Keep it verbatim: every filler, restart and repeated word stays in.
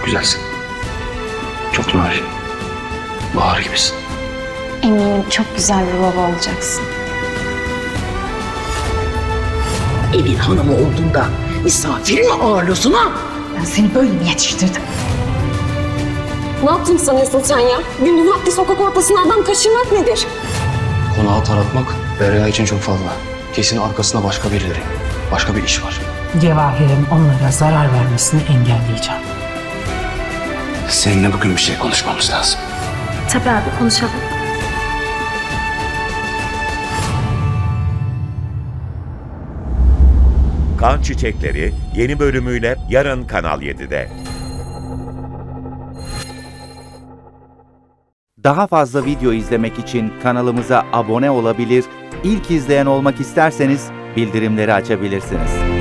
güzelsin. Çok narin. Bahar gibisin. Eminim çok güzel bir baba olacaksın. Evin hanımı olduğunda misafir mi ağırlıyorsun ha? Ben seni böyle mi yetiştirdim? Ne yaptın sanıyorsun sen ya? Gündüz vakti sokak ortasına adam kaçırmak nedir? Konağı taratmak Derya için çok fazla. Kesin arkasında başka birileri, başka bir iş var. Cevahir'in onlara zarar vermesini engelleyeceğim. Seninle bugün bir şey konuşmamız lazım. Tabii abi, konuşalım. Kan Çiçekleri yeni bölümüyle yarın Kanal yedide. Daha fazla video izlemek için kanalımıza abone olabilir, ilk izleyen olmak isterseniz bildirimleri açabilirsiniz.